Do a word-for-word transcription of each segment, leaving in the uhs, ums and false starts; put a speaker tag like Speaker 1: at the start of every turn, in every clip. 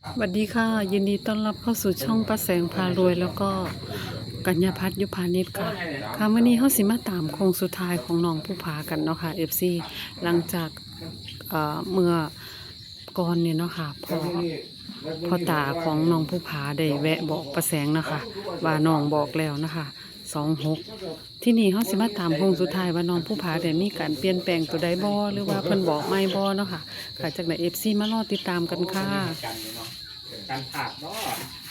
Speaker 1: สวัสดีค่ะยินดีต้อนรับเข้าสู่ช่องป้าแสงพารวยแล้วก็กัญญาพัฒน์ยุพานิชค่ะค่ะวันนี้เฮาสิมาตามโค้งสุดท้ายของน้องผู้ผากันเนาะค่ะ เอฟ ซี หลังจากเอ่อเมื่อก่อนเนี่ยเนาะค่ะพ่อพ่อตาของน้องผู้ผาได้แวะบอกป้าแสงนะคะว่าน้องบอกแล้วนะคะสองหกที่นี่เฮาสิมาตามโค้งสุดท้ายว่าน้องผู้ผาได้มีการเปลี่ยนแปลงตัวใดบ่หรือว่าเพิ่นบอกไม่บ่เนาะค่ะค่ะจากไหน เอฟ ซี มารอติดตามกันค่ะ
Speaker 2: การผ่าเนาะ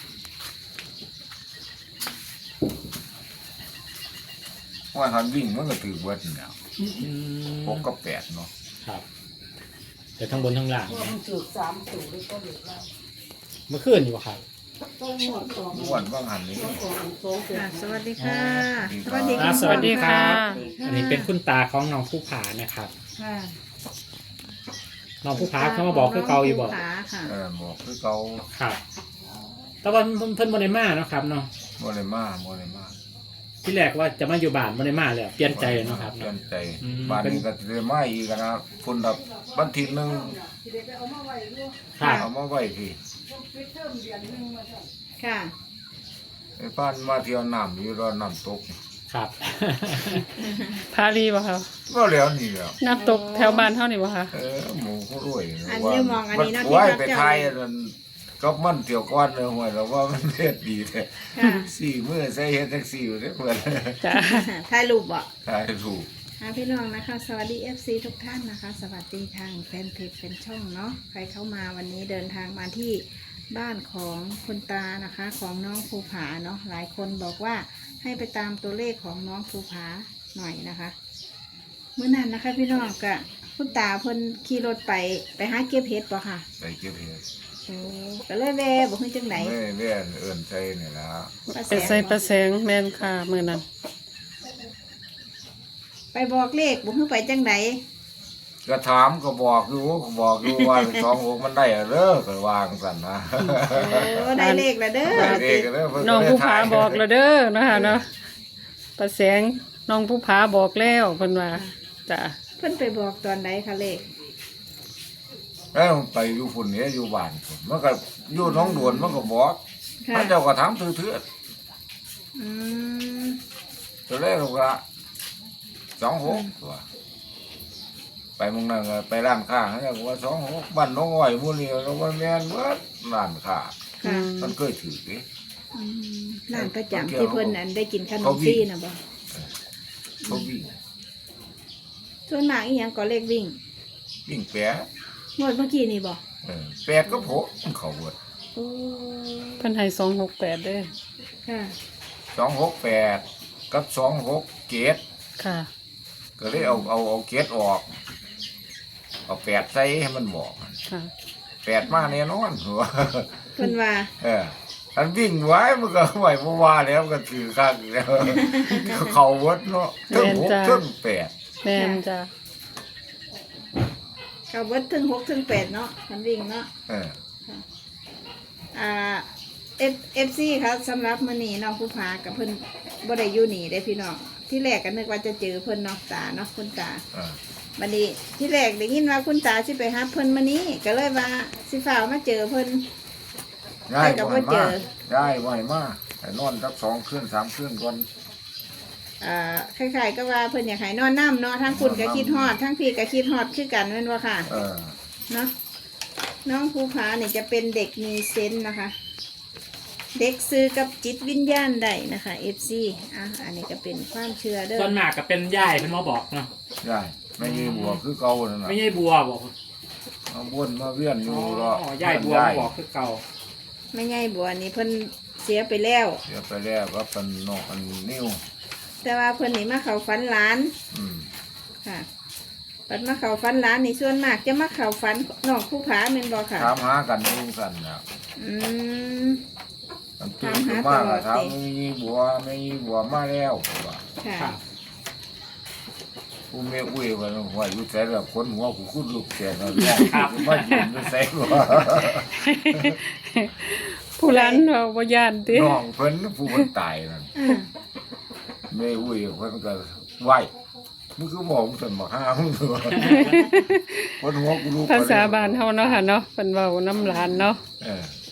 Speaker 3: ว่าหันวิ่งมันก็ถือเบิดแล้วหกกับแปดเนาะ
Speaker 2: ครับแต่ทั้งบนทั้งล่าง
Speaker 4: มันจุดสามสูงเลยก็เหลือแล้ว
Speaker 2: เมื่อคืนอยู่ครับ
Speaker 4: ต้องหมดสอง
Speaker 3: ม้วนว่างหันนี้
Speaker 4: สองสองเป็น
Speaker 5: ค่ะสวัสดีค่ะ
Speaker 3: สวัสดี
Speaker 2: อ่า
Speaker 3: ครับ
Speaker 2: สวัสดีครับ
Speaker 5: สวัสดีค่ะ
Speaker 2: อันนี้เป็นคุณตาของน้องผู้ผานะครับ
Speaker 5: ค่ะ
Speaker 2: น้องผู้ผาเขามาบอกคือเก่าอยู่บอก
Speaker 5: น้งภูผาค่ะ
Speaker 3: เออบอกคือเก่า
Speaker 2: ครับแต่ว่าเพิ่นเพิ่นโมเดมาเนาะครับเนาะ
Speaker 3: โมเลมาโมเลมา
Speaker 2: ที่แรกว่าจะมาอยู่บ้านโมเดมาเลยเปลี่ยนใจเนาะครับ
Speaker 3: เปลี่ย
Speaker 2: เนาะ
Speaker 3: นใจ
Speaker 2: อืม
Speaker 3: บ้านนี้ก็เลยมาอีกนะคุณดับบันทีหนึ่ง
Speaker 2: ครับ
Speaker 3: เอามาไว้พี่
Speaker 5: ค่ะ
Speaker 3: ไอ้ป้านมาเที่ยวน้ำอยู่รอน้ำตก
Speaker 2: ครับ
Speaker 1: พารีบ่คะ
Speaker 3: ก็แล้วนี่แหล้ว
Speaker 1: น้ำตกแถวบ้านเท่านี้บ่คะ
Speaker 3: เออหมูเขารวย
Speaker 5: อันนี้มองอันนี้เนาะ
Speaker 3: ไว้
Speaker 5: ที่
Speaker 3: ไป
Speaker 5: รับ
Speaker 3: ไท
Speaker 5: เจ้าย
Speaker 3: นั่นก็มันเที่ยวก้อนเลยห่วยแล้วว่ามันเล็ดดีแท้
Speaker 5: ค่ะ
Speaker 3: สี่มือใส่เฮ็ดแท็กซี่อยู่เด้อเพื่อน
Speaker 1: จ้ะ
Speaker 5: ถ่ายรูปบ่
Speaker 3: ถ่ายถูก
Speaker 5: ค่ะพี่น้องนะคะ สวัสดี เอฟ ซี ทุกท่านนะคะ สวัสดีทางแฟนเพจแฟนช่องเนาะใครเข้ามาวันนี้เดินทางมาที่บ้านของคุณตานะคะ ของน้องภูผาเนาะหลายคนบอกว่าให้ไปตามตัวเลขของน้องภูผาหน่อยนะคะเมื่อนั้นนะคะ พี่น้องกะคุณตาเพิ่นขี่รถไปไปหาเก็บเห็ดป่ะค่ะ
Speaker 3: ไปเก็บเห็ด
Speaker 5: โอ้ก็เลยแวะบอกให้จังไหน
Speaker 3: แม่แม่เอิ้นใจนี่ล่ะ
Speaker 1: ไปใส่ประแสงแม่นค่ะมื้อนั้น
Speaker 5: ไปบอกเลขบอกให้ไปจังไหน
Speaker 3: ก็ถามก็บอกอยู่ก็บอกอยู่ว่า สองหกมันได้อะเด้อก็วางสั่นนะ
Speaker 5: โอ้ได้เลขแล้วเด้อ
Speaker 3: ได้เด็กก็เด้อเพิ่น
Speaker 1: น้อง
Speaker 3: ก็ได้
Speaker 1: ผู้ผา
Speaker 3: ถ่าย
Speaker 1: บอกแล้วเด้อนะคะเนาะประแสงน้องผู้ผาบอกแล้วเพิ่นว่าจ้ะ
Speaker 5: เพิ่นไปบอกตอนไหนคะเลข
Speaker 3: แล้วไปอยู่ฝุ่นนี้อยู่บ้านพุ่นมันก็อยู่หน้องดวนมันก็บอก
Speaker 5: ค่ะ
Speaker 3: พระเจ้าก็ถามถือเถื่อ
Speaker 5: อืม
Speaker 3: ตัวแรกเราก็สองหกตัวไปมึงนั่นก็ไปร้านค้าเขาก็ว่าสองหกบ้านน้องอ้อยหมู่นี้เราว่าแม่นเบิดร้านค้า
Speaker 5: ค่ะ
Speaker 3: มันเคยถือดิ
Speaker 5: อืมร้านประจำที่เพิ่นนั้นได้กินขนมฟรีนะบ่
Speaker 3: เขาวิ่ง
Speaker 5: ส่วนมากอีหยังก็เลขวิ่ง
Speaker 3: วิ่งแปะ
Speaker 5: งวดเมื่อกี้นี่บ่
Speaker 3: เออแปดก็โผล่เขาเบิด
Speaker 5: โอ้
Speaker 1: เพิ่นให้สองหกแปดเด้อ
Speaker 5: ค่ะ
Speaker 3: สองหกแปดกับสองหกเกต
Speaker 1: ค่ะ
Speaker 3: ก็เลยเอาเอาเอาเกตออกเอาแปดใส่ให้มันบอก
Speaker 1: ค่ะ
Speaker 3: แปดมาแน่นอนหัว
Speaker 5: เพิ่นว่า
Speaker 3: เอออันวิ่งไว้มันก็ไหวเมื่อวานแล้วก็ถือข้างแล้วเขาวัดเนาะเทั้งหกเทั้งแปด
Speaker 1: แม่นจ้ะ
Speaker 5: เขาเบิดถึงหกถึงแปดเนาะมันวิ่งเนาะ
Speaker 3: เออ
Speaker 5: อ่า F เอฟซีครับสำหรับมื้อนี้น้องผู้พากับเพิ่นบ่ได้อยู่นี่ได้พี่น้องที่แรกก็นึกว่าจะเจอเพิ่นเนาะตาเนาะคุณตา
Speaker 3: เออ
Speaker 5: บัดนี้ที่แรกได้ยินว่าคุณตาสิไปหาเพิ่นมื้อนี้ก็เลยว่าสิฟ้าวมาเจอเพิ่น
Speaker 3: ย้าย
Speaker 5: ไปกับ
Speaker 3: ไหว
Speaker 5: ว่าเจ
Speaker 3: มา
Speaker 5: อ
Speaker 3: ย้ายไหวมาไอ้นอนสักสองคืนสามคืนก่อน
Speaker 5: อ่าคล้ายๆก็ว่าเพิ่นอยากให้นอนน้ำเนาะทั้งคุณก็คิดฮอดทั้งพี่ก็คิดฮอดคือกันแม่นบ่ค่ะ
Speaker 3: เออ
Speaker 5: เนาะน้องภูผาเนี่ยจะเป็นเด็กมีเซนส์นะคะ เด็กซื้อกับจิตวิญญาณได้นะคะ เอฟ ซี อ่ะอันนี้ก็เป็นความเชื่อเด้อ
Speaker 2: ส่วนมากก็เป็นย่ายเพิ่นมาบอกเนาะ
Speaker 3: ย้ายไม่มีบัวคือเก่านั่นน่ะ
Speaker 2: ไม่ใช่บัวบอก
Speaker 3: มาบ้วนมาเวียนอยู่รอ
Speaker 2: อ๋อย่ายบัวมาบอกคือเก่า
Speaker 5: ไม่ใช่บัวนี่เพิ่นเสียไปแล้ว
Speaker 3: เสียไปแล้วก็เป็นนอกอันนิ้ว
Speaker 5: แต่ว่าเพิ่นนี่มาเข้าฝันหลาน
Speaker 3: อืม
Speaker 5: ค่ะปัดมาเข้าฝันหลานนี่ส่วนมากจะมาเข้าฝันน้องภูผาแม่นบ่ค่ะ
Speaker 3: ถามหากันอยุ่งกันนะ
Speaker 5: อืม
Speaker 3: มันตื่นขึ้นมาก็ถามไม่มีบัวไม่มีบัวมาแล้วว่า
Speaker 5: ค่ะ
Speaker 2: ครับ
Speaker 3: กูไม่อุ้ยว่าหัวอยู่แต่ละคนหัวกูคุ้นลูกแก่แล้วน้องมาอยู่ในใส่ว่า
Speaker 1: ผู้ร้านเราบ่ย่านติ
Speaker 3: น้องเพิ่นผู้มันตายนั่น
Speaker 5: อืม
Speaker 3: ไม่อุ้ยเพิ่นก็ไหวมึงคือบอกมึงสนบอกห้ามึงตัวคนหัวกูลูก
Speaker 1: ภาษาบ้านเฮาเนาะค่ะเนาะเพิ่นเว้าน้ำหลานเนาะ
Speaker 3: เออ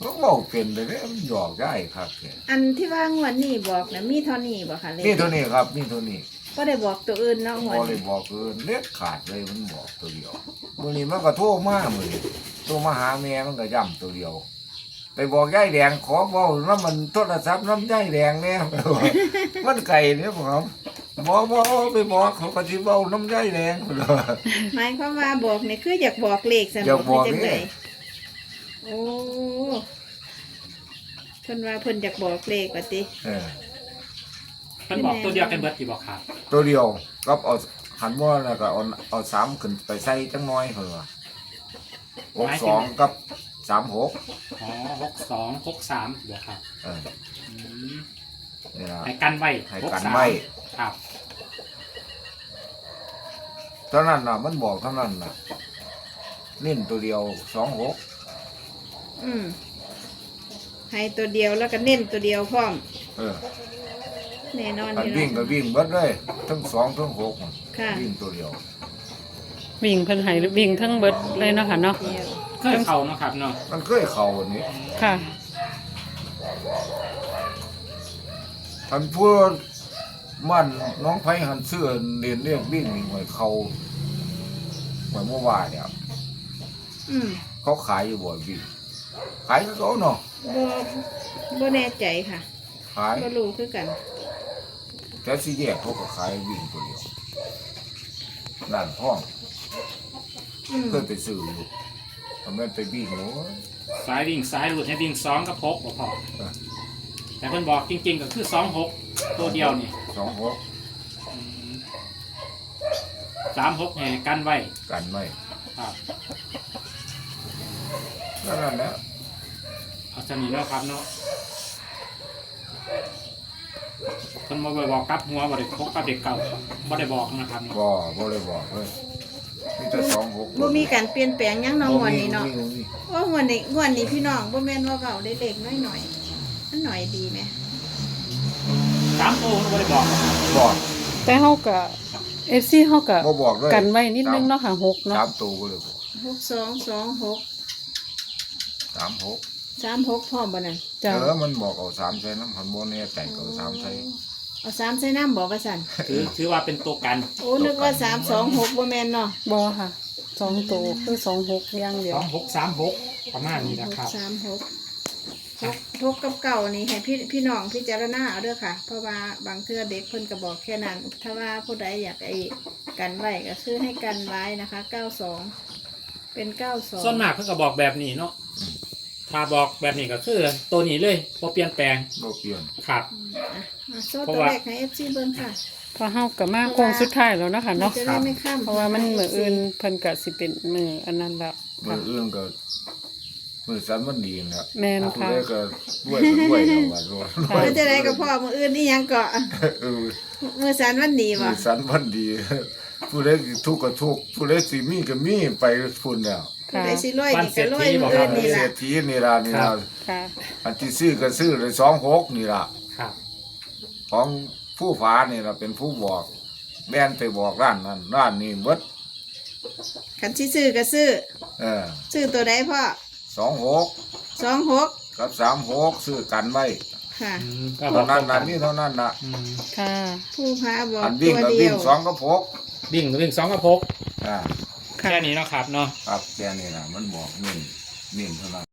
Speaker 3: ก็บอกเป็นเลยเนี่ยมันหยอกได้ครับแก
Speaker 5: อันที่ว่างวดนี้บอกนะมีเท่านี้บ่ค่ะเลข
Speaker 3: นี่เท่านี้ครับนี่เท่านี้
Speaker 5: ก็ได้บอกตัวอื่นเนาะง
Speaker 3: พ
Speaker 5: วด
Speaker 3: อเลย
Speaker 5: นี้
Speaker 3: บอกคือเล็ดขาดเลยมันบอกตัวเดียวมื่อนี้มันก็โทรมามือนี้โทรมาหาแม่มันก็ย่ำตัวเดียว ไปบอกยายแดงขอเบาน้ำมันโทรศัพท์น้ำยายแดงเนี่ย มันไก่เนี่ยผมบอกบอกไปบอกเขาก็ที่เบาน้ำยายแดง
Speaker 5: หมายความว่าบอกนี่คืออยากบอกเลขส
Speaker 3: อยากบอก
Speaker 5: จัง
Speaker 3: นี่
Speaker 5: ไดโอ้เพิ่นว่าเพิ่นอยากบอกเลขว่าติ
Speaker 3: เออ
Speaker 2: เพิ่นบอกตัวเดียวกันเบิดที่บอกครับ
Speaker 3: ตัวเดียวก็เอาหันว่าแล้วก็เอาเอาสามขึ้นไปใส่จังน้อยเหรอหกสองกับสามหก
Speaker 2: อ๋อหกสองหกสามบอกครับ
Speaker 3: เออ
Speaker 2: อืม
Speaker 3: นี่นะ
Speaker 2: ให้กันไว้
Speaker 3: ให้
Speaker 2: ห
Speaker 3: กัน
Speaker 2: สาม
Speaker 3: ไว้
Speaker 2: ครับ
Speaker 3: เท่านั้นน่ะมันบอกเท่านั้นน่ะเน้นตัวเดียวสองหก
Speaker 5: อืมให้ตัวเดียวแล้วก็เน้นตัวเดียวพร้อม
Speaker 3: เออ
Speaker 5: แน่นอนอ
Speaker 3: อัน
Speaker 5: ยู่
Speaker 3: วิ่งก็
Speaker 5: เนาะ
Speaker 3: วิ่งเบิดเลยทั้งสองทั้งหก
Speaker 5: ค่ะ
Speaker 3: วิ่งตัวเดียว
Speaker 1: วิ่งเพิ่นให้วิ่งทั้งเบิดเลยเนาะค่ะเนาะ
Speaker 5: เดียว
Speaker 2: เคยเข้าเนาะครับเนาะ
Speaker 3: มันเคยเข่าอันนี้
Speaker 1: ค่ะ
Speaker 3: ท่านพูดมันน้องไผ่หันเสื้อเรียนเรียกวิ่งนี่หวยเขาหวยเมื่อวานเนี่ย
Speaker 5: อืม
Speaker 3: เขาขายอยู่บ่อยวิ่งขายก็เขาเนาะ
Speaker 5: บ่บ่แน่ใจค่ะ
Speaker 3: ขาย
Speaker 5: บ่รู้คือกัน
Speaker 3: แต่สี่แยกเขาก็ขายวิ่งตัวเดียวร้านพ่อง
Speaker 5: อืม
Speaker 3: เคยไปซื้ออยู่ทำไมไปวิ่งโอ้ย
Speaker 2: สายวิ่งสายหลุดให้วิ่งสองกับหกบอกพอ
Speaker 3: เออ
Speaker 2: แต่เพิ่นบอกจริงๆก็คือสองหกตัวเดียวนี่
Speaker 3: สองหก
Speaker 2: อืมสามหกให้กันไว้
Speaker 3: กันไม่
Speaker 2: ครับ
Speaker 3: ก็นั่นแหละ
Speaker 2: เอาสนิทเนาะครับเนาะเพิ่นมาบอกกลับหัวบ่ได้พกกับเด็กเก่าบ่ได้บอกนะครับเนาะ
Speaker 3: บ่บ่เลยบอกเลยมีแต่สองหก
Speaker 5: บ่มีการเปลี่ยนแปลงหยังเนาะงวดนี้เนาะ
Speaker 3: บ่มี
Speaker 5: โอ้งวดนี้งวดนี้พี่น้องบ่แม่นว่าเว้าได้เล็กน้อยหน่อยๆมันหน่อยดีไหม
Speaker 2: สามตัวบ่ได้บอก
Speaker 3: บอก
Speaker 1: แต่เฮาก็ เอฟ ซี เฮาก็
Speaker 3: บ่บอกเลย
Speaker 1: กันไว้นิดนึงเนาะค่ะหกเนาะ
Speaker 3: สามตัวก็เลยบอก
Speaker 5: หกสองสองหก
Speaker 3: สามหก
Speaker 5: สามหกพร้อมบ่นั่น
Speaker 1: จ้ะ
Speaker 3: เออมันบอกเอาสามใส่น้ำหันโบเนี่ยแต่ก็เอาสามใส่
Speaker 5: เอาสามใส่น้ำบอกว่าสั่น
Speaker 2: ถือถือว่าเป็นตัวกัน
Speaker 5: โอ้นึกว่าสามสองหกบ่แม่นเนาะ
Speaker 1: บ่ค่ะสองตัวคือสองหกอย่างเดีย
Speaker 2: ส
Speaker 1: ว
Speaker 2: องหกสามหกประมาณนี้
Speaker 5: ห
Speaker 2: นะ
Speaker 5: ก
Speaker 2: ครับ
Speaker 5: สามหกหกหกกับเก่านี่ให้พี่พี่น้องพิจารณาเอาเด้อค่ะ เพราะว่าบางเทื่อเด็กเพิ่นก็บอกแค่นั้น ถ้าว่าผู้ใดอยากไอ้กันไว้ก็คือให้กันไว้นะคะเก้าสองเป็นเก้าสอง
Speaker 2: ส่วนมากเพิ่นก็บอกแบบนี้เนาะถ้าบอกแบบนี้ก็คือตัวนี้เลยบ่เปลี่ยนแปลง
Speaker 3: บ่เปลี่ยน
Speaker 2: ครับ
Speaker 5: อ่ะมาโซ่
Speaker 2: เพราะ
Speaker 5: ตัว
Speaker 2: ว่า
Speaker 5: เลขให้ เอฟ ซี เบิ่งค่ะ
Speaker 1: พอเฮาก็มาโค้งสุดท้ายแล้วเนาะค่ะเนาะ
Speaker 5: จะได้ไม่ข้าม
Speaker 1: เพราะว่ามันมื้ออื่นเพิ่นก็สิเป็นมื้ออันนั้นแล้ว
Speaker 3: มื
Speaker 1: ค่ะ
Speaker 3: ออื่นก็มือสันมันดีนะ
Speaker 1: แม่น
Speaker 3: ผู้
Speaker 1: ค่ะ
Speaker 3: ใดก็ด้วยก็ด้วยแล้วว่าด้วย
Speaker 1: ค่ะ
Speaker 5: แล้วจะได้กับพ่อมืออื่นนี่ยังเกาะ
Speaker 3: เออ
Speaker 5: มือสันวันดี
Speaker 3: มื
Speaker 5: บ่
Speaker 3: อสันมันดี ผู้ใดทุกข์ก็ทุกข์ผู้ใดสิมีก็มีไปพุ่นแล้ว
Speaker 5: ผู้
Speaker 1: ค่ะ
Speaker 5: ใดสิรวยนี่ก็รวยมืออื่นนี่
Speaker 3: เศร
Speaker 5: ล่ะ
Speaker 3: ษฐีนี่ล่ะนี่ล่ะ
Speaker 1: ค่ะ
Speaker 3: อันที่ซื้อก็ซื้อเลยสองหกนี่ล่ะ
Speaker 2: ครับ
Speaker 3: ของผู้ฝานี่ล่ะเป็นผู้บอกแม่นไปบอกร้านนั้นร้านนี้เบิด
Speaker 5: คันสิซื้อก็ซื้อ
Speaker 3: เออ
Speaker 5: ซื้อตัวใดพ่อ
Speaker 3: สองหก
Speaker 5: สองหก
Speaker 3: กับสามหกซื้อกันไว้
Speaker 5: ค่ะ
Speaker 2: อืมก็บ
Speaker 3: เท่า
Speaker 2: อก
Speaker 3: นั้น
Speaker 2: กั
Speaker 3: นะนี่เท่านั้นนะ
Speaker 2: อืม
Speaker 1: ค่ะ
Speaker 5: ผู้พาบอก
Speaker 3: อันวิ่ง
Speaker 5: ตัว
Speaker 3: กับ
Speaker 5: เดี
Speaker 3: วิ่
Speaker 5: ย
Speaker 3: ง
Speaker 5: ว
Speaker 3: สองกับหก
Speaker 2: วิ่งวิ่งสองกับหก
Speaker 3: อ่า
Speaker 1: ค่ะ
Speaker 2: แค่นี้เนาะครับเนาะ
Speaker 3: ครับแค่นี้นะมันบอกนี่นี่เท่านั้น